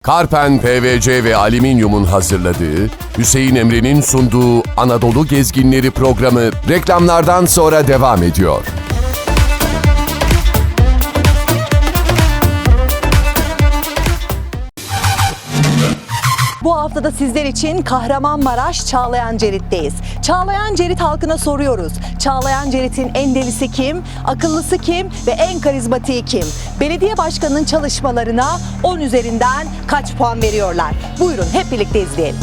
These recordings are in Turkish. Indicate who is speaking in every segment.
Speaker 1: Karpen PVC ve Alüminyum'un hazırladığı, Hüseyin Emre'nin sunduğu Anadolu Gezginleri programı reklamlardan sonra devam ediyor.
Speaker 2: Bu hafta da sizler için Kahramanmaraş Çağlayancerit'teyiz. Çağlayancerit halkına soruyoruz. Çağlayancerit'in en delisi kim, akıllısı kim ve en karizmatiği kim? Belediye başkanının çalışmalarına 10 üzerinden kaç puan veriyorlar? Buyurun hep birlikte izleyelim.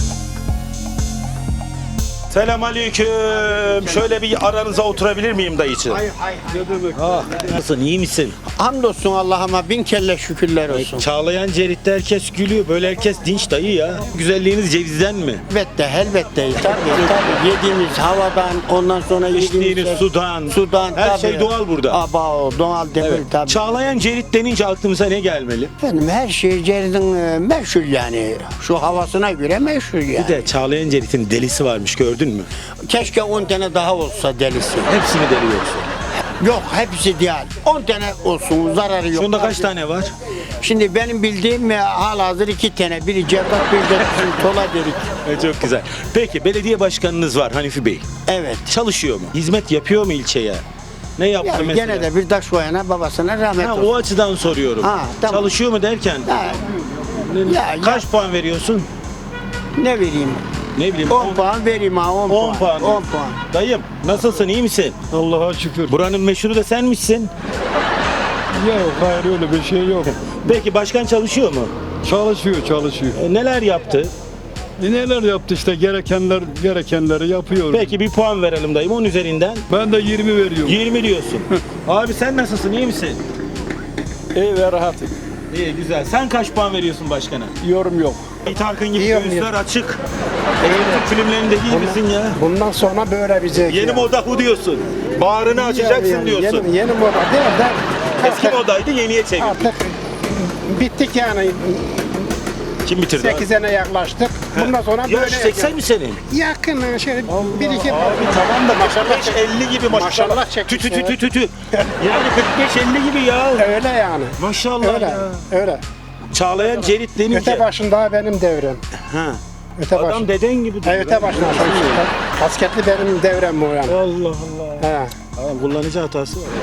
Speaker 3: Selamünaleyküm. Şöyle bir aranıza oturabilir miyim dayıcığım?
Speaker 4: Hayır.
Speaker 3: Nasılsın, iyi misin?
Speaker 4: Hamdolsun Allah'ıma bin kelle şükürler olsun.
Speaker 3: Çağlayan Cerit'te herkes gülüyor. Böyle herkes dinç dayı ya. Güzelliğiniz cevizden mi?
Speaker 4: Elbette. Tabii. Yediğimiz havadan, ondan sonra
Speaker 3: İçtiğiniz sudan. Her
Speaker 4: tabii.
Speaker 3: şey doğal burada.
Speaker 4: Doğal değil
Speaker 3: Evet.
Speaker 4: tabii.
Speaker 3: Çağlayan Cerit denince aklımıza ne gelmeli?
Speaker 4: Efendim her şey Cerid'in meşhur yani. Şu havasına göre meşhur yani.
Speaker 3: Bir de Çağlayan Cerit'in delisi varmış, gördün mü?
Speaker 4: Keşke 10 tane daha olsa delisi.
Speaker 3: Hepsini deliyorsun.
Speaker 4: Yok hepsi değil. 10 tane olsun zararı yok.
Speaker 3: Şunda kaç tane var?
Speaker 4: Şimdi benim bildiğim halihazır 2 tane. Biri Cevdet, biri de bizim Tola derik.
Speaker 3: Çok güzel. Peki belediye başkanınız var Hanifi Bey.
Speaker 4: Evet.
Speaker 3: Çalışıyor mu? Hizmet yapıyor mu ilçeye? Ne yaptı
Speaker 4: Yani
Speaker 3: mesela?
Speaker 4: gene de bir taş koyana babasına rahmet
Speaker 3: Ha,
Speaker 4: olsun.
Speaker 3: o açıdan soruyorum.
Speaker 4: Ha, tamam.
Speaker 3: Çalışıyor mu derken? Kaç puan veriyorsun?
Speaker 4: Ne vereyim?
Speaker 3: Ne bileyim.
Speaker 4: 10 puan vereyim ha 10
Speaker 3: 10 puan.
Speaker 4: 10 puan.
Speaker 3: Dayım nasılsın, iyi misin?
Speaker 5: Allah'a şükür.
Speaker 3: Buranın meşhuru da sen misin?
Speaker 5: Yok hayır öyle bir şey yok.
Speaker 3: Peki başkan çalışıyor mu?
Speaker 5: Çalışıyor.
Speaker 3: Neler yaptı?
Speaker 5: Neler yaptı işte gerekenleri yapıyor.
Speaker 3: Peki bir puan verelim dayım 10 üzerinden.
Speaker 5: Ben de 20 veriyorum.
Speaker 3: 20 diyorsun. Abi sen nasılsın, iyi misin?
Speaker 5: İyi ve rahat.
Speaker 3: İyi, güzel. Sen kaç puan veriyorsun başkana?
Speaker 5: Yorum yok.
Speaker 3: Tarkın gibi
Speaker 6: İyiyim,
Speaker 3: göğüsler açık. Türk filmlerindeki gibisin ya.
Speaker 6: Bundan sonra böyle bir zevk.
Speaker 3: Yeni moda hu diyorsun. Bağrını açacaksın diyorsun.
Speaker 6: Yeni moda değil de
Speaker 3: Eski modaydı, yeniye çevirdin.
Speaker 6: artık bittik yani.
Speaker 3: Kim bitirdi?
Speaker 6: 8'ine yaklaştık. Bundan sonra
Speaker 3: Yaş
Speaker 6: böyle
Speaker 3: 80 mi senin?
Speaker 6: yakın şöyle bir iki
Speaker 3: Abi tamam da
Speaker 6: Maşallah
Speaker 3: 45-50 gibi maşallah.
Speaker 6: Maşallah çekmiş,
Speaker 3: Tü. Yani 45-50 gibi ya.
Speaker 6: öyle yani.
Speaker 3: Maşallah
Speaker 6: Öyle.
Speaker 3: ya.
Speaker 6: Öyle.
Speaker 3: Çağlayan Cerit denince.
Speaker 6: Öte başında benim devrem.
Speaker 3: Ha.
Speaker 6: Öte
Speaker 3: Adam
Speaker 6: başında.
Speaker 3: deden gibi duruyor.
Speaker 6: Öte başında. Kasketli benim devrem bu yani.
Speaker 3: Allah Allah.
Speaker 6: He.
Speaker 3: Tamam, kullanıcı hatası var.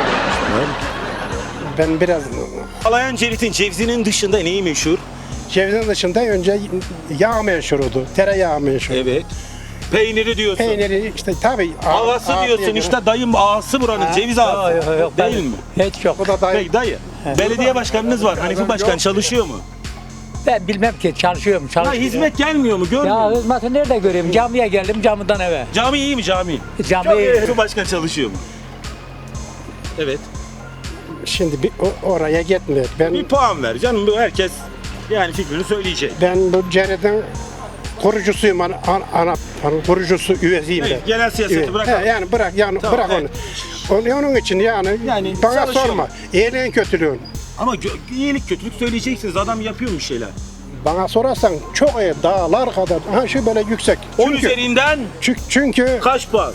Speaker 6: Ben biraz
Speaker 3: Çağlayan Cerit'in cevizinin dışında neyi meşhur?
Speaker 6: cevizin dışında önce yağ meşhurdu. Tereyağı meşhur.
Speaker 3: Evet. Peyniri diyorsun.
Speaker 6: Peyniri işte tabii.
Speaker 3: Havası diyorsun işte dayım ağası buranın ceviz ağası. Değil mi?
Speaker 7: Hiç yok.
Speaker 6: Bu da dayı.
Speaker 3: Peki dayı. Belediye başkanınız var. Hanifi Başkan çalışıyor mu?
Speaker 7: Ben bilmem ki çalışıyorum.
Speaker 3: Ha, hizmet gelmiyor mu? Görmüyor
Speaker 7: Ya
Speaker 3: musun?
Speaker 7: hizmeti nerede göreyim? Camiye geldim camiden eve.
Speaker 3: Cami iyi mi cami?
Speaker 7: Cami
Speaker 3: Hanifi Başkan çalışıyor mu? Evet.
Speaker 6: Şimdi oraya gitmiyor.
Speaker 3: Bir puan ver canım. Bu herkes yani fikrini söyleyecek.
Speaker 6: Ben bu Cerid'in kurucusuyum. Kurucusu üyesiyim
Speaker 3: Hayır,
Speaker 6: ben.
Speaker 3: genel siyaseti
Speaker 6: Evet.
Speaker 3: bırakalım.
Speaker 6: He, yani bırak
Speaker 3: Tamam,
Speaker 6: bırak
Speaker 3: evet.
Speaker 6: onu. Onun için yani bana
Speaker 3: çalışıyor
Speaker 6: sorma.
Speaker 3: mu?
Speaker 6: İyiliğin kötülüğün.
Speaker 3: Ama iyilik kötülük söyleyeceksiniz. Adam yapıyor bir şeyler.
Speaker 6: Bana sorarsan çok iyi dağlar kadar. Ha şu böyle yüksek.
Speaker 3: 10 üzerinden
Speaker 6: Çünkü
Speaker 3: kaç puan?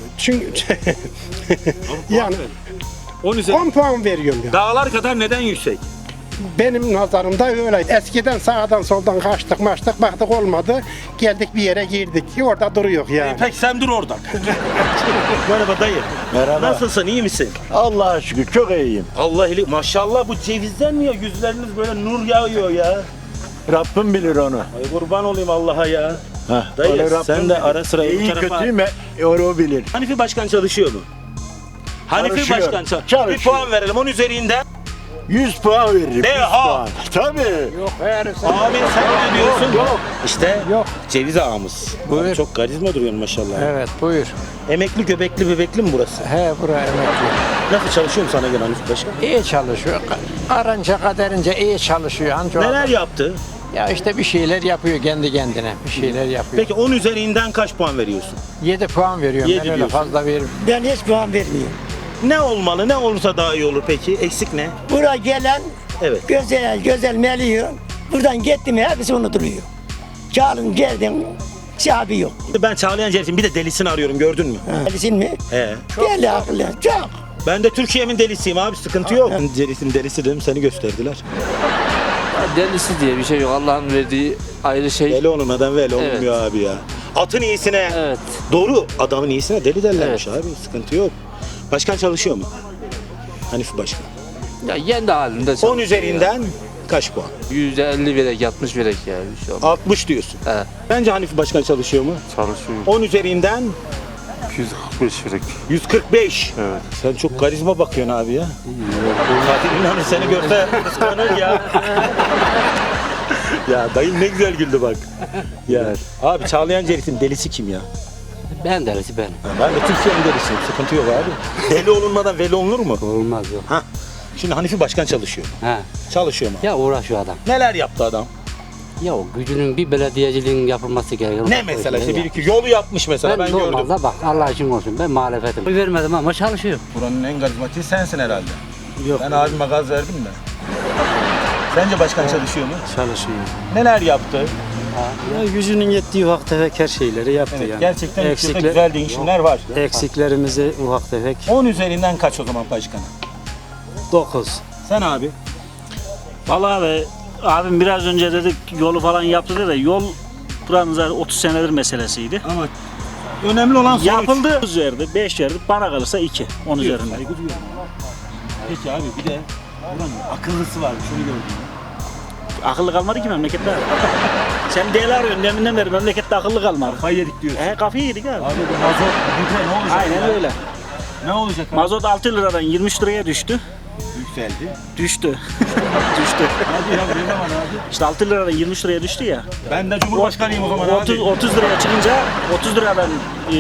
Speaker 6: yani
Speaker 3: 10 üzerinden.
Speaker 6: 10 puan veriyorum ya.
Speaker 3: Dağlar kadar neden yüksek?
Speaker 6: Benim nazarımda öyle. Eskiden sağdan soldan kaçtık baktık olmadı. Geldik bir yere girdik. Orada duruyor yani.
Speaker 3: Peki sen dur orada. Merhaba dayı.
Speaker 8: Merhaba.
Speaker 3: Nasılsın, iyi misin?
Speaker 8: Allah'a şükür çok iyiyim.
Speaker 3: Allah iyilik. Maşallah bu cevizden mi ya? Yüzleriniz böyle nur yağıyor ya.
Speaker 8: Rabbim bilir onu.
Speaker 3: Ay kurban olayım Allah'a ya.
Speaker 8: Heh,
Speaker 3: Dayı
Speaker 8: onu Rabbim
Speaker 3: sen de
Speaker 8: bilir.
Speaker 3: ara sıra bu
Speaker 8: İyi
Speaker 3: tarafa...
Speaker 8: kötü mü o bilir.
Speaker 3: Hanifi Başkan çalışıyor mu? Hanifi
Speaker 8: Çalışıyor,
Speaker 3: Başkan
Speaker 8: çalışıyor.
Speaker 3: Bir puan verelim 10 üzerinden.
Speaker 8: 100 puan veririm. 100
Speaker 3: Deha.
Speaker 8: puan. Tabii.
Speaker 3: Abi sen ne diyorsun?
Speaker 6: Yok.
Speaker 3: İşte
Speaker 6: Yok.
Speaker 3: ceviz ağamız.
Speaker 6: Buyur.
Speaker 3: Abi çok karizma duruyorsun maşallah.
Speaker 6: Evet buyur.
Speaker 3: Emekli göbekli bebekli mi burası?
Speaker 6: He buraya emekli.
Speaker 3: Nasıl çalışıyor mu sana gelen Hanifi Başkan?
Speaker 6: İyi çalışıyor. Aranca kaderince iyi çalışıyor. Anca
Speaker 3: Neler yaptı?
Speaker 6: Ya işte bir şeyler yapıyor kendi kendine. Bir şeyler yapıyor.
Speaker 3: Peki 10 üzerinden kaç puan veriyorsun?
Speaker 6: 7 puan veriyorum.
Speaker 3: 7
Speaker 6: ben öyle
Speaker 3: diyorsun.
Speaker 6: fazla veririm.
Speaker 4: Ben hiç puan vermiyorum.
Speaker 3: Ne olmalı? Ne olursa daha iyi olur peki? Eksik ne?
Speaker 4: Buraya gelen
Speaker 3: Evet.
Speaker 4: güzel meliyor. Buradan gittim hepsi unutuluyor. Çağırın geldim. Sahibi yok.
Speaker 3: Ben Çağlayan Cerit'in bir de delisini arıyorum, gördün mü?
Speaker 4: Delisin mi?
Speaker 3: He.
Speaker 4: Deli akıllı. Çok.
Speaker 3: Ben de Türkiye'min delisiyim abi, sıkıntı yok. Ben Cerit'in delisi dedim, seni gösterdiler.
Speaker 9: delisi diye bir şey yok. Allah'ın verdiği ayrı şey.
Speaker 3: Deli olmadan veli
Speaker 9: Evet.
Speaker 3: olmuyor abi ya. Atın iyisine.
Speaker 9: Evet.
Speaker 3: Doğru. Adamın iyisine deli derlermiş abi. Sıkıntı yok. Başkan çalışıyor mu? Hanifi Başkan.
Speaker 9: Ya kendi halinde
Speaker 3: 10 üzerinden kaç puan?
Speaker 9: %50 verek, 60 verek ya. Bir şey olmaz.
Speaker 3: 60 diyorsun.
Speaker 9: Evet.
Speaker 3: Bence Hanifi Başkan çalışıyor mu?
Speaker 5: Çalışıyor.
Speaker 3: 10 üzerinden
Speaker 5: 245 verek.
Speaker 3: 145.
Speaker 5: Evet.
Speaker 3: Sen çok karizma bakıyorsun abi ya. Katil İnanır seni görse kıskanır ya. Ya dayım ne güzel güldü bak. Ya. Abi Çağlayan Cerit'in delisi kim ya?
Speaker 7: Ben delisi ben.
Speaker 3: Ben de Türkiye'nin delisiyim. Sıkıntı yok abi. Deli olunmadan veli olunur mu?
Speaker 7: Olmaz yok.
Speaker 3: Ha. Şimdi Hanifi Başkan çalışıyor.
Speaker 7: He.
Speaker 3: Çalışıyor mu?
Speaker 7: Ya uğraşıyor adam.
Speaker 3: Neler yaptı adam?
Speaker 7: Ya o gücünün bir belediyeciliğin yapılması gerekiyor.
Speaker 3: Ne mesela işte bir iki yolu yapmış mesela ben gördüm.
Speaker 7: normalde bak Allah için olsun ben muhalefetim. Oy vermedim ama çalışıyor.
Speaker 3: Buranın en karizmatiği sensin herhalde. Yok. Ben abime gaz verdim de. Sence başkan çalışıyor mu?
Speaker 10: Çalışıyor.
Speaker 3: Neler yaptı?
Speaker 10: Ya gücünün yettiği ufak tefek her şeyleri yaptı
Speaker 3: Evet,
Speaker 10: yani.
Speaker 3: gerçekten ülkede güzel değişimler var.
Speaker 10: Eksiklerimizi ufak tefek
Speaker 3: 10 üzerinden kaç o zaman başkana?
Speaker 10: 9.
Speaker 3: Sen abi?
Speaker 11: Vallahi abi, abim biraz önce dedik yolu falan yaptı dedi de yol buranın zaten 30 senedir meselesiydi.
Speaker 3: Ama önemli olan sonuç.
Speaker 11: Yapıldı. 9 verdi, 5 verdi, bana kalırsa 2 10 üzerinden.
Speaker 3: Saygı duyuyorum. Peki abi bir de buranın akıllısı var. Şunu gördüm.
Speaker 11: Akıllı kalmadı ki memlekette. Sen değerli arıyorsun deminden beri memlekette akıllı kalmadı.
Speaker 3: Kafayı yedik diyorsun.
Speaker 11: Kafayı yedik abi.
Speaker 3: Abi bu mazot gübre ne olacak?
Speaker 11: Aynen
Speaker 3: ya?
Speaker 11: öyle.
Speaker 3: Ne olacak abi?
Speaker 11: Mazot 6 liradan 23 liraya düştü.
Speaker 3: Yükseldi.
Speaker 11: Düştü. Düştü.
Speaker 3: Hadi ya ne zaman abi?
Speaker 11: İşte 6 liradan 23 liraya düştü ya.
Speaker 3: Ben de Cumhurbaşkanıyım o zaman
Speaker 11: 30
Speaker 3: abi.
Speaker 11: 30 liraya çıkınca 30 liradan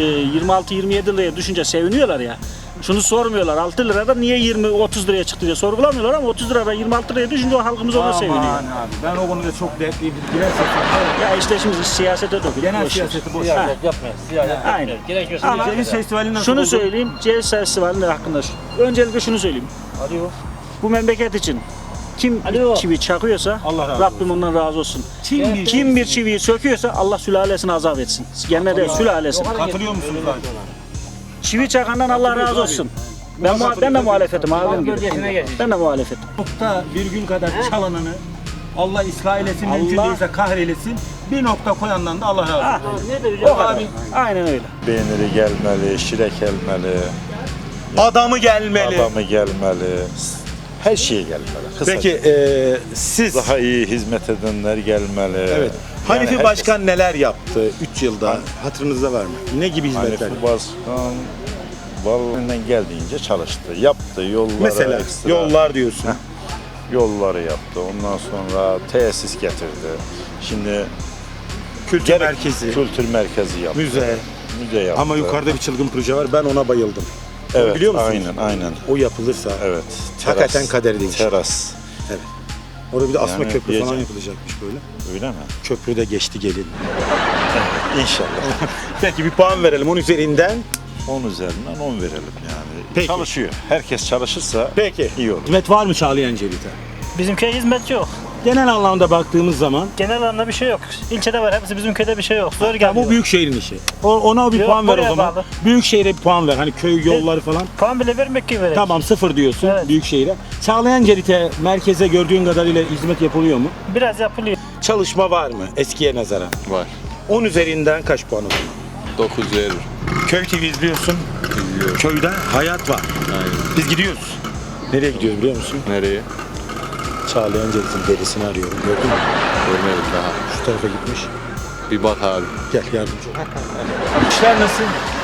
Speaker 11: 26-27 liraya düşünce seviniyorlar ya. Şunu sormuyorlar. 6 liradan niye 20-30 liraya çıktı diye sorgulamıyorlar ama 30 liradan 26 liraya düşünce o halkımız ona seviniyor.
Speaker 3: Aman abi ben o konuda çok dertliyim. Girersek
Speaker 11: Ya işte şimdi siyasete dökülüyor.
Speaker 3: genel siyaseti boş ver.
Speaker 11: Aynen. Ama
Speaker 3: Ceviz Festivali nasıl
Speaker 11: şunu
Speaker 3: oldu?
Speaker 11: söyleyeyim. Ceviz Festivali hakkında. Öncelikle şunu söyleyeyim. Bu memleket için kim bir çivi çakıyorsa
Speaker 3: Allah razı
Speaker 11: Rabbim ondan razı olsun. Kim bir çiviyi söküyorsa Allah sülalesini azap etsin. Gene de sülalesini.
Speaker 3: Katılıyor musunuz abi?
Speaker 11: Çivi çakandan Allah razı olsun. Ben de muhalefetim abim gibi. Ben de muhalefetim.
Speaker 3: Nokta virgül kadar çalanını Allah ıslah eylesin, mümkün değilse kahreylesin. Bir nokta koyandan da Allah razı olsun.
Speaker 11: O kadar. Aynen öyle.
Speaker 8: Peyniri gelmeli, şirek gelmeli,
Speaker 3: Adamı gelmeli.
Speaker 8: adamı gelmeli. Her şey gelmeli. Kısaca.
Speaker 3: Peki siz
Speaker 8: Daha iyi hizmet edenler gelmeli.
Speaker 3: evet.
Speaker 8: Yani
Speaker 3: Hanifi
Speaker 8: herkes-
Speaker 3: Başkan neler yaptı 3 yılda? Hatırınızda var mı? Ne gibi hizmetler?
Speaker 8: Hanifi Başkan vallahi geldiğince çalıştı. Yaptı yolları
Speaker 3: Mesela
Speaker 8: ekstra.
Speaker 3: yollar diyorsun.
Speaker 8: Yolları yaptı. Ondan sonra tesis getirdi. Şimdi
Speaker 3: Kültür merkezi,
Speaker 8: kültür merkezi yaptı.
Speaker 3: müze.
Speaker 8: Müze yaptı.
Speaker 3: Ama yukarıda bir çılgın proje var. Ben ona bayıldım.
Speaker 8: evet,
Speaker 3: biliyor musunuz?
Speaker 8: Aynen.
Speaker 3: O yapılırsa
Speaker 8: Evet.
Speaker 3: Hakikaten kaderi değişir.
Speaker 8: Teras.
Speaker 3: orada bir de asma
Speaker 8: Yani
Speaker 3: köprü falan
Speaker 8: diyeceğim.
Speaker 3: yapılacakmış böyle.
Speaker 8: Öyle mi?
Speaker 3: Köprü de geçti gelin.
Speaker 8: İnşallah.
Speaker 3: Peki bir puan verelim 10 üzerinden.
Speaker 8: 10 üzerinden 10 verelim yani.
Speaker 3: Peki.
Speaker 8: Çalışıyor. Herkes çalışırsa
Speaker 3: Peki.
Speaker 8: iyi olur.
Speaker 3: Hizmet var mı Çağlayan Cerit'e?
Speaker 11: Bizimkiye hizmet yok.
Speaker 3: Genel anlamda baktığımız zaman
Speaker 11: Genel anlamda bir şey yok. İlçede var hepsi bizim köyde bir şey yok. Zor geliyor.
Speaker 3: bu büyük şehrin işi. Ona bir
Speaker 11: Yok,
Speaker 3: puan ver o
Speaker 11: buraya
Speaker 3: zaman.
Speaker 11: bağlı.
Speaker 3: Büyük şehre bir puan ver. Hani köy yolları falan.
Speaker 11: Puan bile vermek gibi verir.
Speaker 3: Tamam 0 diyorsun
Speaker 11: Evet.
Speaker 3: büyük şehire. Çağlayan Cerit'e merkeze gördüğün kadarıyla hizmet yapılıyor mu?
Speaker 11: Biraz yapılıyor.
Speaker 3: Çalışma var mı eskiye nazaran?
Speaker 1: Var.
Speaker 3: 10 üzerinden kaç puan olur?
Speaker 1: 9 verir.
Speaker 3: Köy TV izliyorsun. Köyde hayat var. Biz gidiyoruz. Nereye gidiyoruz biliyor musun?
Speaker 1: Nereye?
Speaker 3: Çağlayan Cerit'in derisini arıyorum. Gördün mü?
Speaker 1: Görmedim daha.
Speaker 3: Şu tarafa gitmiş.
Speaker 1: Bir bak abi.
Speaker 3: Gel yardımcı ol. İşler nasıl?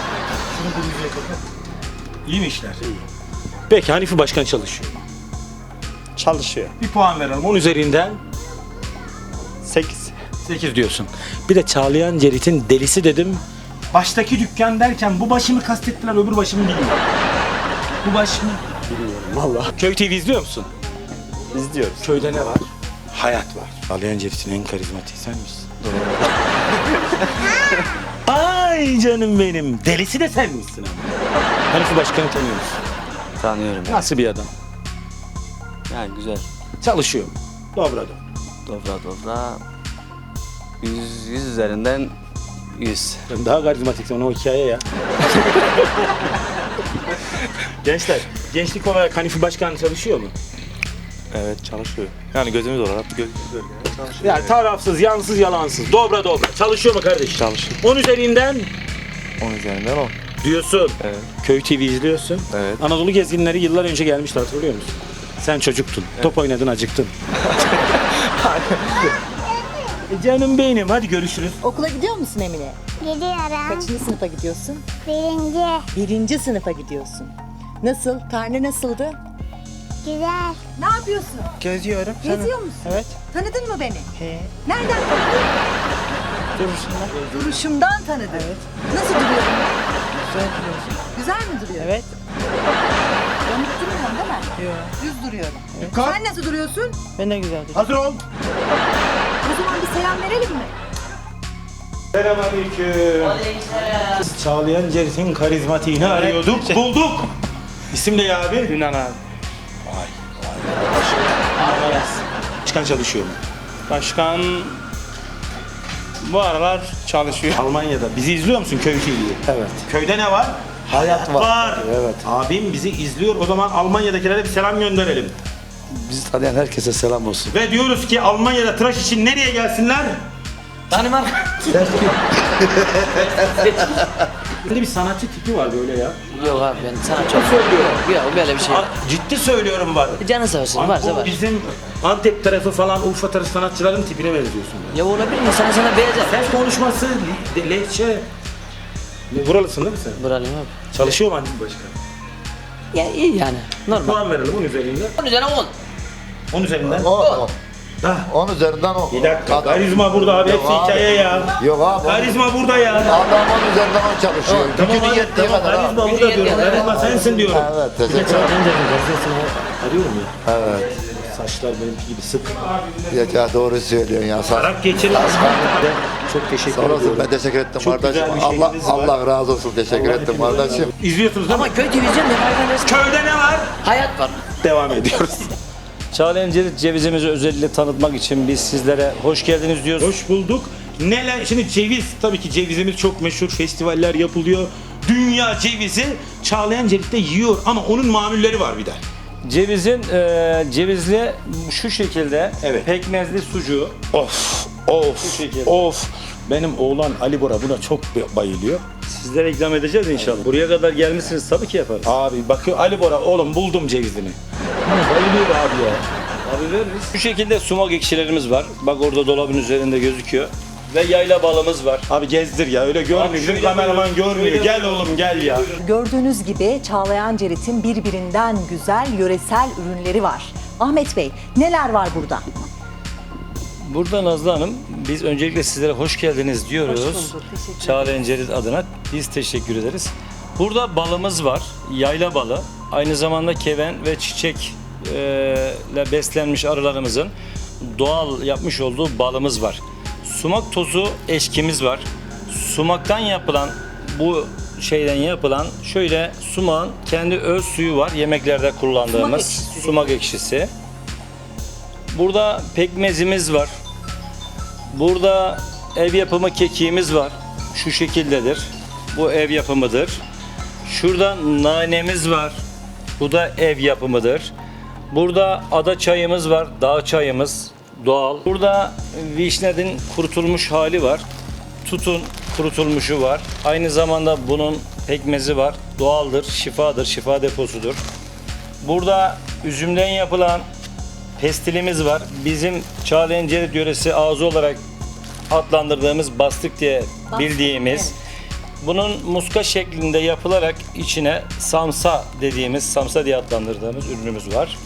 Speaker 3: İyi mi işler? İyi. Peki Hanifi Başkan çalışıyor.
Speaker 8: Çalışıyor.
Speaker 3: Bir puan verelim. 10 üzerinden
Speaker 8: 8.
Speaker 3: 8 diyorsun. Bir de Çağlayan Cerit'in delisi dedim. Baştaki dükkan derken bu başımı kastettiler öbür başımı bilmiyorum. Bu başımı bilmiyorum valla. Köy TV izliyor musun?
Speaker 8: İzliyoruz.
Speaker 3: Köyde ne var? Hayat var. Çağlayan Cerit'in en karizmatiği sen misin? Ay canım benim. Delisi de sen misin ama? Hanifi Başkan'ı tanıyor musun?
Speaker 7: Tanıyorum.
Speaker 3: Nasıl bir adam?
Speaker 7: Yani güzel.
Speaker 3: Çalışıyor. Dobra.
Speaker 7: Dobra. 100 üzerinden 100.
Speaker 3: Sen daha karizmatiksin o hikaye ya. Gençler, gençlik olarak Hanifi Başkan çalışıyor mu?
Speaker 5: Evet çalışıyor. Yani gözümüz olarak gözümüz önünde çalışıyor.
Speaker 3: Yani tarafsız, yansız, yalansız. Dobra dobra. Çalışıyor mu kardeş?
Speaker 5: Çalışıyor.
Speaker 3: 10 üzerinden
Speaker 5: 10 üzerinden 10.
Speaker 3: diyorsun.
Speaker 5: Evet.
Speaker 3: Köy TV izliyorsun.
Speaker 5: Evet.
Speaker 3: Anadolu gezginleri yıllar önce gelmişti, hatırlıyor musun? Sen çocuktun. Top oynadın, acıktın. Canım benim, hadi görüşürüz.
Speaker 2: Okula gidiyor musun Emine?
Speaker 12: Gidiyorum.
Speaker 2: Kaçıncı sınıfa gidiyorsun?
Speaker 12: 1.
Speaker 2: 1. sınıfa gidiyorsun. Nasıl? Karne nasıldı?
Speaker 12: Güzel.
Speaker 2: Ne yapıyorsun?
Speaker 4: Geziyorum.
Speaker 2: Geziyor musun?
Speaker 4: Evet.
Speaker 2: Tanıdın mı beni?
Speaker 4: He.
Speaker 2: Nereden tanıdın?
Speaker 4: Duruşundan.
Speaker 2: Duruşumdan tanıdın. Nasıl duruyorum ben?
Speaker 4: Güzel duruyorsun.
Speaker 2: Güzel mi duruyorum?
Speaker 4: Evet.
Speaker 2: Yanık durmuyorum değil mi?
Speaker 4: Yok.
Speaker 2: Düz duruyorum. Sen nasıl duruyorsun?
Speaker 4: Ben de güzel duruyorum.
Speaker 3: Hazır ol.
Speaker 2: O zaman bir selam verelim mi?
Speaker 3: Selamünaleyküm. Çağlayan Cerit'in karizmatiğini arıyorduk. Bulduk. İsim ne ya abi?
Speaker 5: Yunan abi.
Speaker 3: Çıkan çalışıyor mu?
Speaker 5: Başkan bu aralar çalışıyor.
Speaker 3: Almanya'da. Bizi izliyor musun Köy TV'yi?
Speaker 4: Evet.
Speaker 3: Köyde ne var? Hayat var.
Speaker 4: Evet.
Speaker 3: Abim bizi izliyor. O zaman Almanya'dakilere bir selam gönderelim.
Speaker 10: Bizi tanıyan herkese selam olsun.
Speaker 3: Ve diyoruz ki Almanya'da tıraş için nereye gelsinler?
Speaker 7: Danimarka.
Speaker 3: Böyle bir sanatçı tipi var böyle ya.
Speaker 7: Yok abi ben sana çok
Speaker 3: Söylüyorum.
Speaker 7: Yok böyle bir şey yok.
Speaker 3: Ciddi söylüyorum var.
Speaker 7: Canı sağ olsun varsa
Speaker 3: Bu
Speaker 7: var.
Speaker 3: bizim Antep tarafı falan Urfa tarafı sanatçıların tipine benziyorsun.
Speaker 7: Ya olabilir mi? Sana beğeneceğim.
Speaker 3: Ses konuşması, lehçe. Buralısın değil mi sen?
Speaker 7: Buralıyım abi.
Speaker 3: Çalışıyor mu annem başkan?
Speaker 7: Ya iyi yani. Normal.
Speaker 3: Puan verelim 10 üzerinden.
Speaker 7: 10 üzerine 10.
Speaker 3: 10 üzerinden.
Speaker 10: 10 üzerinden 10.
Speaker 3: Bir dakika. Karizma burada abi. Hepsi hikaye ya.
Speaker 10: Yok abi.
Speaker 3: Karizma burada ya.
Speaker 10: Adam 10 üzerinden 10 çalışıyor.
Speaker 3: Tamam abi, tamam. Karizma burada diyorum. Karizma sensin diyorum.
Speaker 10: Evet
Speaker 3: Bir de
Speaker 10: teşekkür
Speaker 3: Çağlayan
Speaker 10: ederim.
Speaker 3: Cerit'in gazetesini arıyorum ya.
Speaker 10: Evet.
Speaker 3: Saçlar benimki gibi sık.
Speaker 10: Ya doğru söylüyorsun ya. Sağ
Speaker 3: Arak geçirin. Çok teşekkür
Speaker 10: olasın.
Speaker 3: ediyorum.
Speaker 10: Ben teşekkür ettim
Speaker 3: Çok
Speaker 10: kardeşim.
Speaker 3: güzel bir
Speaker 10: Allah
Speaker 3: şeyiniz var.
Speaker 10: Allah razı olsun. Teşekkür ettim kardeşim.
Speaker 3: İzliyorsunuz değil mi?
Speaker 7: Ama köy televizyon devam resmi.
Speaker 3: Köyde ne var?
Speaker 7: Hayat var.
Speaker 3: Devam ediyoruz.
Speaker 11: Çağlayan Cerit cevizimizi özellikle tanıtmak için biz sizlere hoş geldiniz diyoruz.
Speaker 3: Hoş bulduk. Neler? Şimdi ceviz, tabii ki cevizimiz çok meşhur. Festivaller yapılıyor. Dünya cevizi Çağlayan Cerit'te yiyor ama onun mamulleri var bir de.
Speaker 11: Cevizin cevizli şu şekilde
Speaker 3: Evet.
Speaker 11: pekmezli sucuğu.
Speaker 3: Of,
Speaker 11: Şu
Speaker 3: of,
Speaker 11: şekilde.
Speaker 3: of. Benim oğlan Ali Bora buna çok bayılıyor.
Speaker 11: Sizlere ikram edeceğiz inşallah. Buraya kadar gelmişsiniz tabii ki yaparız.
Speaker 3: Abi bakıyor Ali Bora, oğlum buldum cevizini. Bayılıyor abi ya.
Speaker 11: Abi veririz. Şu şekilde sumak ekşilerimiz var. Bak orada dolabın üzerinde gözüküyor. Ve yayla balımız var.
Speaker 3: Abi gezdir ya, öyle görmüyor. Bizim
Speaker 11: şöyle
Speaker 3: kameraman
Speaker 11: buyurun,
Speaker 3: görmüyor.
Speaker 11: şöyle
Speaker 3: Gel
Speaker 11: buyurun.
Speaker 3: oğlum gel ya.
Speaker 2: Gördüğünüz gibi Çağlayan Cerit'in birbirinden güzel yöresel ürünleri var. Ahmet Bey, neler var burada?
Speaker 11: Burada Nazlı Hanım, biz öncelikle sizlere hoş geldiniz diyoruz.
Speaker 2: Hoş bulduk, teşekkür ederim.
Speaker 11: Çağlayan Cerit adına biz teşekkür ederiz. Burada balımız var, yayla balı. Aynı zamanda keven ve çiçek ile beslenmiş arılarımızın doğal yapmış olduğu balımız var. Sumak tozu eşkimiz var. Sumaktan yapılan bu şeyden yapılan şöyle sumağın kendi öz suyu var. Yemeklerde kullandığımız sumak ekşisi. Burada pekmezimiz var. Burada ev yapımı kekiğimiz var. Şu şekildedir. Bu ev yapımıdır. Şurada nanemiz var. Bu da ev yapımıdır. Burada ada çayımız var. Dağ çayımız doğal. Burada vişnenin kurutulmuş hali var. Tutun kurutulmuşu var. Aynı zamanda bunun pekmezi var. Doğaldır, şifadır, şifa deposudur. Burada üzümden yapılan pestilimiz var. Bizim Çağlayan Cerit yöresi ağzı olarak adlandırdığımız bastık diye bildiğimiz. Bunun muska şeklinde yapılarak içine samsa dediğimiz, samsa diye adlandırdığımız ürünümüz var.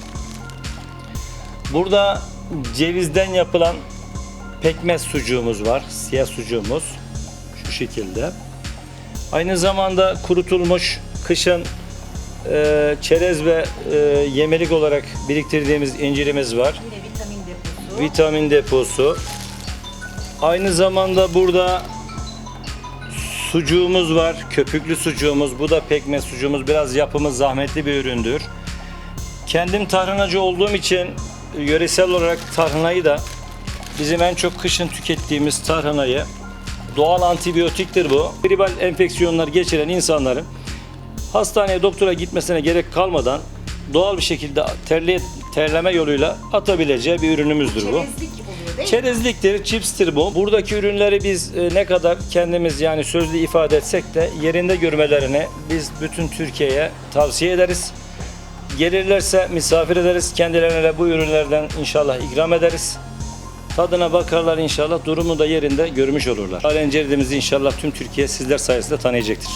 Speaker 11: Burada cevizden yapılan pekmez sucuğumuz var. Siyah sucuğumuz şu şekilde. Aynı zamanda kurutulmuş kışın çerez ve yemelik olarak biriktirdiğimiz incirimiz var.
Speaker 2: Yine vitamin deposu.
Speaker 11: Vitamin deposu. Aynı zamanda burada sucuğumuz var. Köpüklü sucuğumuz. Bu da pekmez sucuğumuz. Biraz yapımı zahmetli bir üründür. Kendim tarhanacı olduğum için yöresel olarak tarhanayı da bizim en çok kışın tükettiğimiz tarhanayı, doğal antibiyotiktir bu. Gribal enfeksiyonlar geçiren insanların hastaneye doktora gitmesine gerek kalmadan doğal bir şekilde terleme yoluyla atabileceği bir ürünümüzdür bu. Çerezliktir, çipstir bu. Buradaki ürünleri biz ne kadar kendimiz yani sözlü ifade etsek de yerinde görmelerini biz bütün Türkiye'ye tavsiye ederiz. Gelirlerse misafir ederiz. Kendilerine de bu ürünlerden inşallah ikram ederiz. Tadına bakarlar inşallah. Durumu da yerinde görmüş olurlar. Çağlayan ceridimizi inşallah tüm Türkiye sizler sayesinde tanıyacaktır.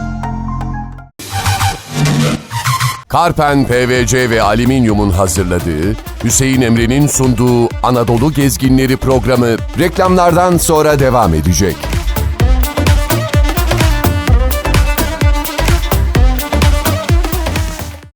Speaker 1: Karpen PVC ve Alüminyum'un hazırladığı, Hüseyin Emre'nin sunduğu Anadolu Gezginleri programı reklamlardan sonra devam edecek.